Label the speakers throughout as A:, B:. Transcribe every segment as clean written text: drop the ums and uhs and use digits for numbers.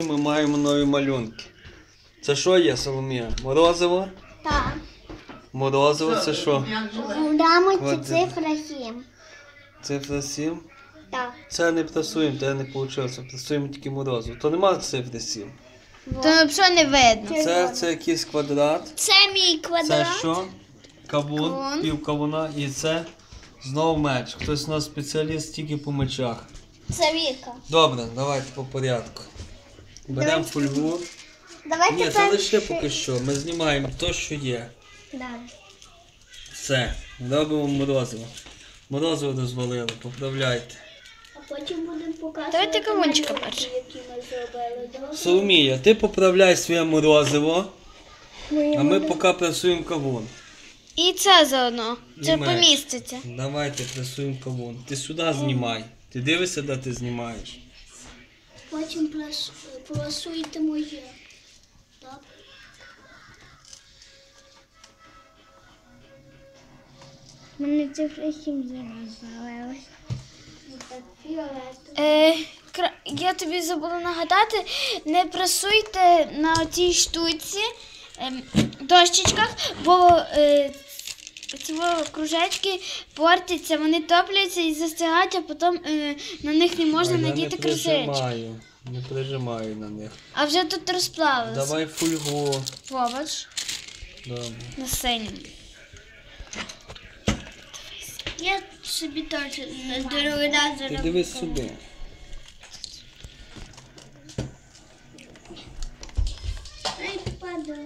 A: Ми маємо нові малюнки. Це що є, Соломія? Морозиво?
B: Так.
A: Морозиво це що?
B: В рамочці цифра 7.
A: Цифра 7?
B: Так.
A: Це не прасуємо, то не вийшло. Прасуємо тільки морозиво. То нема цифри 7.
C: То взагалі не видно.
A: Це якийсь квадрат.
B: Це мій
A: Це
B: квадрат.
A: що? Кавун, пів кавуна. І це знову меч. Хтось у нас спеціаліст тільки по мечах.
B: Це Віка.
A: Добре, давайте по порядку. Беремо фольгу.
B: Давайте
A: Ні, це лише поки що. Ми знімаємо те, що є.
B: Да.
A: Все. Робимо морозиво. Морозиво розвалили, поправляйте.
B: А потім будемо показувати.
C: Давайте кавунчика перше.
B: Які ми зробили. Добре?
A: Соломія, ти поправляй своє морозиво, а ми поки пресуємо кавун.
C: І це заодно. Це
A: меч.
C: поміститься.
A: Давайте пресуємо кавун. Ти сюди знімай. Ти дивишся, де ти знімаєш.
B: Потім просуйте моє. Добре?
C: У мене цифра 7 зараз залилась.
B: Так, фіолетовий.
C: Я тобі забула нагадати, не пресуйте на цій штуці, дощечках, бо ці кружечки портяться, вони топляться і застигають, а потім на них не можна надіти кружечки.
A: Не прижимаю на них.
C: А вже тут розплавилося.
A: Давай фольгу.
C: Побач,
A: Добре.
C: на синьому.
B: Я собі теж на другий раз
A: Ти
B: зроблю.
A: дивись сюди.
B: Ай, падає.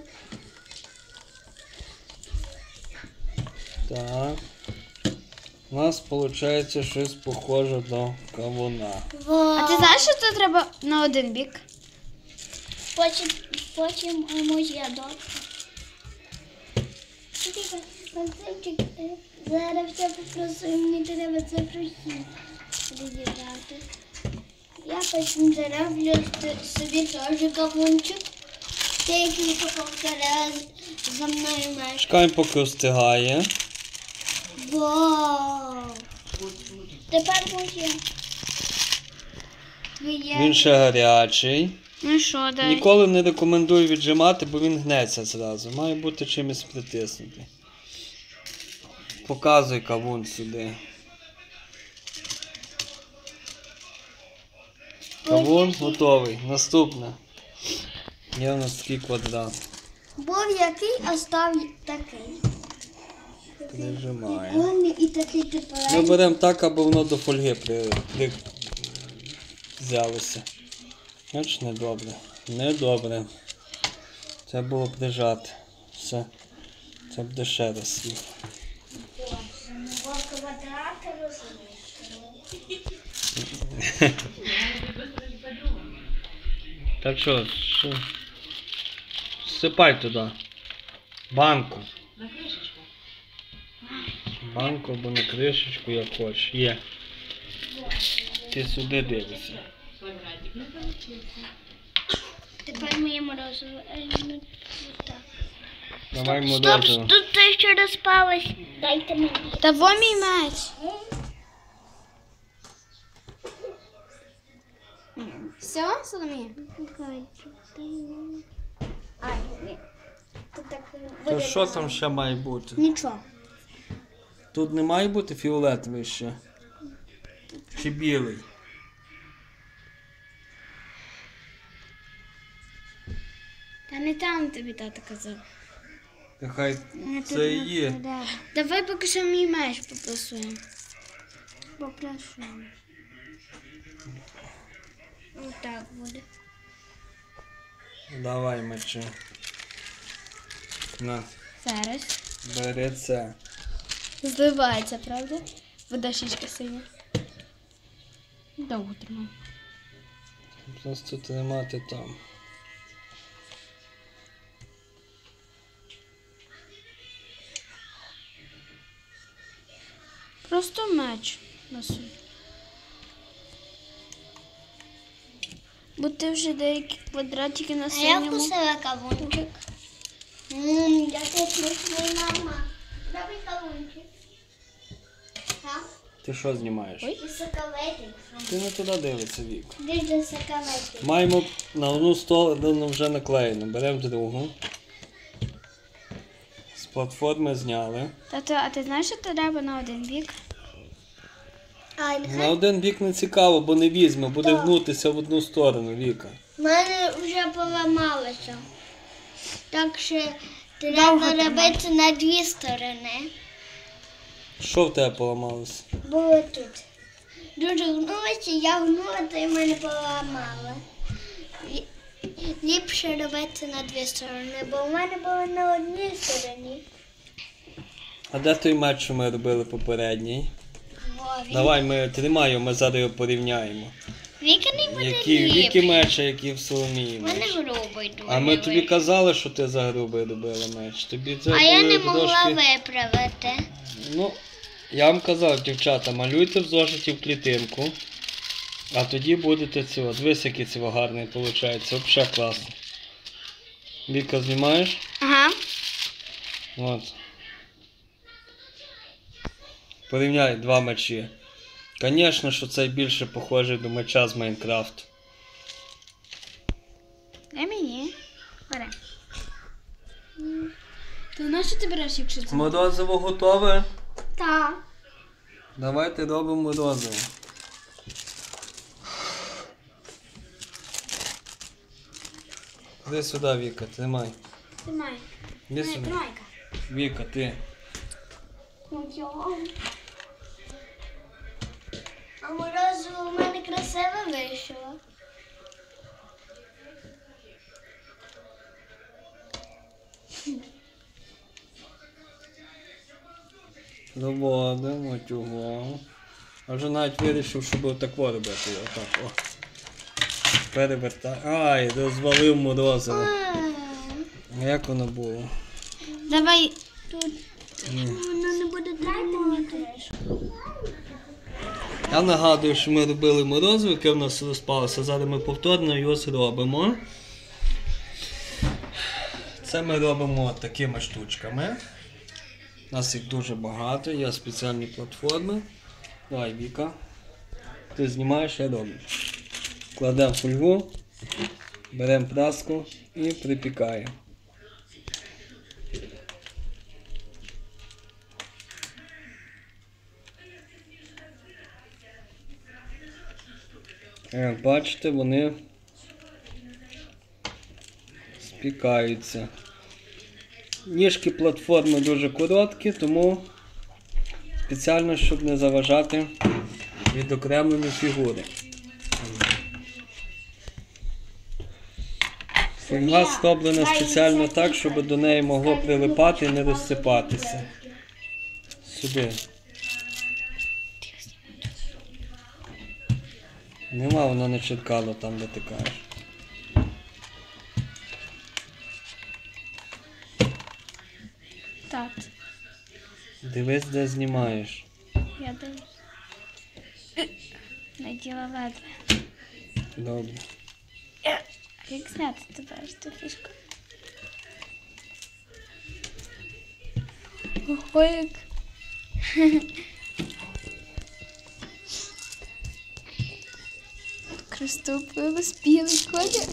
A: Так. У нас виходить щось похоже до кавуна.
C: А ти знаєш, що це треба на один бік?
B: Потім моє добре. Максимчик, зараз все попросив, мені треба це просити. Розібрати. Я потім зароблю собі теж кавунчик. Ти який повторяє за мною мешкає.
A: Чекаємо, поки остигає.
B: Вау! Тепер моє.
A: Він ще гарячий.
C: Ну що, дай.
A: Ніколи не рекомендую віджимати, бо він гнеться зразу. Має бути чимось притиснутий. Показуй кавун сюди. Кавун готовий. Наступне. Є у нас такий квадрат.
B: Був який, а став такий.
A: Прижимаємо.
B: І такий тепер.
A: Ми беремо так, аби воно до фольги взялося. Бач, недобре. Недобре. Це було прижати. Все. Це буде ще раз слів. Так що, всипай туди. Банку.
D: На кришечку.
A: Банку або на кришечку, як хочеш. Є. Ти сюди дивишся.
D: Квадратик не получился.
B: Тепер моє морозиво. Так.
A: Давай морозиво.
B: Тут те, що розпалось. Дайте мені.
C: Та во мій меч. Все, Соломія?
B: Ай, ні. Тут так
A: То що там ще має бути?
B: Нічого.
A: Тут не має бути фіолетовий ще? Чи білий?
C: Та не там тобі тато казав.
A: Нехай це і є.
C: Давай поки що мій меч попросуємо.
B: Попрошу. Отак буде.
A: Давай мечи. На,
C: Зараз.
A: бери це.
C: Зливається, правда? Вода щічка синя. Довго тримай.
A: Просто тримати там.
C: Просто меч носу. Бо ти вже деякі квадратики на
B: А я
C: синьому.
B: вкусила кавунчик. Я тут смачний, мама. Добрий кавунчик. Так?
A: Ти що знімаєш?
C: Ой.
B: Соковитий.
A: Ти не туди дивиться, Вік.
B: Де ж соковитий?
A: Маємо на одну сторону вже наклеєно. Беремо другу. З платформи зняли.
C: Тато, а ти знаєш, що треба на один бік?
B: А,
A: На один бік не цікаво, бо не візьме, буде гнутися в одну сторону, Віка.
B: в мене вже поламалося. Так що треба робити на дві сторони.
A: Що в тебе поламалося?
B: Було тут. Дуже гнулося, я гнула, то й мене поламало. Ліпше робити на дві сторони, бо в мене було на одній стороні.
A: А де той меч, що ми робили попередній?
B: Вові.
A: Давай ми тримаємо, ми зараз його порівняємо.
B: Віка не буде
A: Які Віки
B: ліпше.
A: меч, а які в Соломії
B: В
A: меч.
B: мене грубий дуже.
A: А ми тобі
B: вийшов.
A: казали, що ти за грубий робила меч. Тобі це
B: А я не
A: були
B: могла
A: дошки.
B: виправити.
A: Ну, я вам казав, дівчата, малюйте в зошиті в клітинку, а тоді будете цього. Дивись, який цього гарний виходить. Взагалі класно. Віка, знімаєш?
C: Ага.
A: От. Порівняй два мечі. Звісно, що цей більше похожий до меча з Майнкрафту.
C: Дай мені. Бери. То на що ти береш, якщо це?
A: Морозиво готове?
B: Так.
A: Давайте робимо морозиво. Іди сюди, Віка, тримай.
C: Тримай.
A: Іди сюди.
C: Тримайка.
A: Віка, ти.
B: А морозиво в мене красиво вийшло.
A: Доводимо цього. А вже навіть вирішив, щоб тако робити. Отак, о. Перевертай. Ай, розвалив морозиво. А як воно було?
C: Давай.
B: Воно не буде тримати.
A: Я нагадую, що ми робили морозиво, яке в нас розпалося. Зараз ми повторно його зробимо. Це ми робимо такими штучками. У нас їх дуже багато, є спеціальні платформи. Давай, Віка. Ти знімаєш, я роблю. Кладемо фольгу, беремо праску і припікаємо. Як бачите, вони спікаються. Ніжки платформи дуже короткі, тому спеціально, щоб не заважати відокремленню фігури. Фольга зроблена спеціально так, щоб до неї могло прилипати і не розсипатися. Сюди. Нема, воно не чіткало там, де ти кажеш.
C: Так.
A: Дивись, де знімаєш.
C: Я дивлюсь. Наділа ледве.
A: Добре.
C: А як зняти тебе ж ту фішку? Ого, як. Крестопилось білий колір.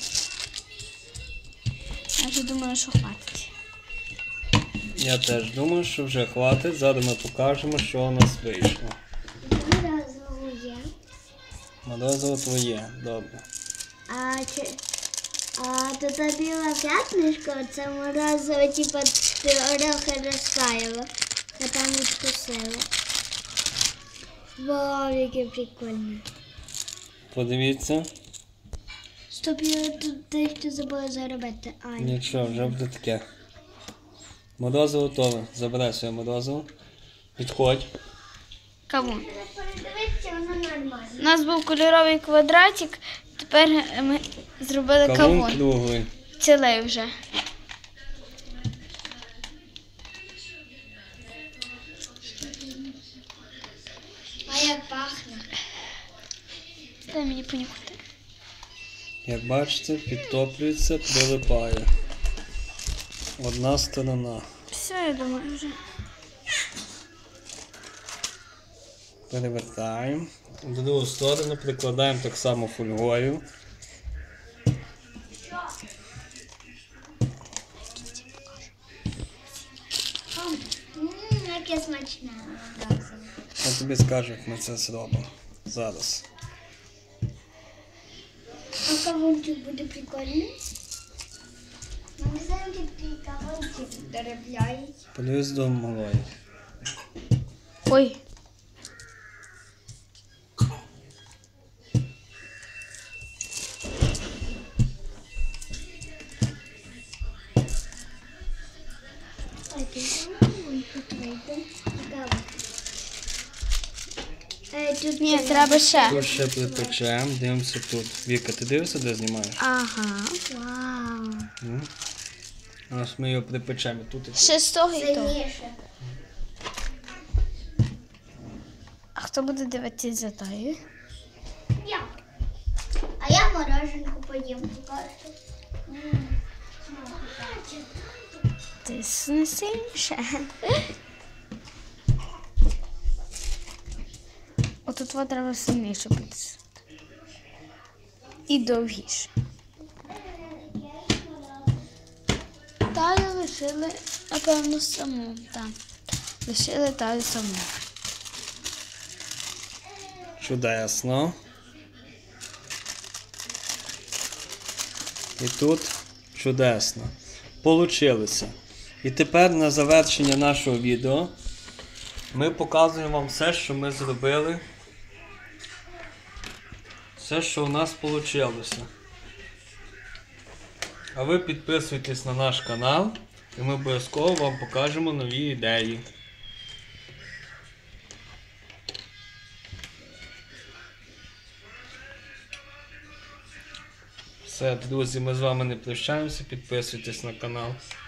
C: Я вже думаю, що хватить.
A: Я теж думаю, що вже хватить. Зараз ми покажемо, що у нас вийшло.
B: Морозиво є.
A: Морозиво твоє, добре.
B: А тут біла п'ятнишко, це морозиво, типу, трохи розтаяло. А там відкусило. Вау, яке прикольне.
A: Подивіться.
B: Стоп, я тут дещо забула заробити. Ай.
A: Нічого, вже буде таке. Морозиво готове. Забирай своє морозиво. Підходь.
C: Кавун.
B: Передивіться, воно нормально.
C: У нас був кольоровий квадратик, тепер ми зробили
A: Кавун
C: кавун.
A: круглий.
C: Цілий вже.
B: А як пахне?
C: Дай мені понюхати.
A: Як бачите, підтоплюється, прилипає. Одна сторона.
C: Все, я думаю, вже.
A: Перевертаємо. В другу сторону прикладаємо так само фольгою.
B: Яке смачне.
A: Я тобі скажу, як ми це зробимо. Зараз.
B: А кавунчик буде прикольний? Мені завжди такий кавунчик доробляють.
A: Плюс до малої.
C: Ой.
B: А ти тут вийде. Тут
C: Ні, треба ще.
A: Тут ще припечемо, дивимося тут. Віка, ти дивишся, де знімаєш?
C: Ага.
B: Вау.
A: Ось ми його припечемо. Тут і
C: Ще з того і того.
B: Сильніше.
C: А хто буде дивитися за тою?
B: Я. А я мороженку поїм покажу.
C: Ти не сильніше. Отут вот треба сильніше підсити. І довгіше. Таю лишили, напевно, саму. Так. Лишили таю саму.
A: чудесно. І тут чудесно. Получилося. І тепер на завершення нашого відео ми показуємо вам все, що ми зробили. Все, що у нас вийшло. А ви підписуйтесь на наш канал, і ми обов'язково вам покажемо нові ідеї. Все, друзі, ми з вами не прощаємося, підписуйтесь на канал.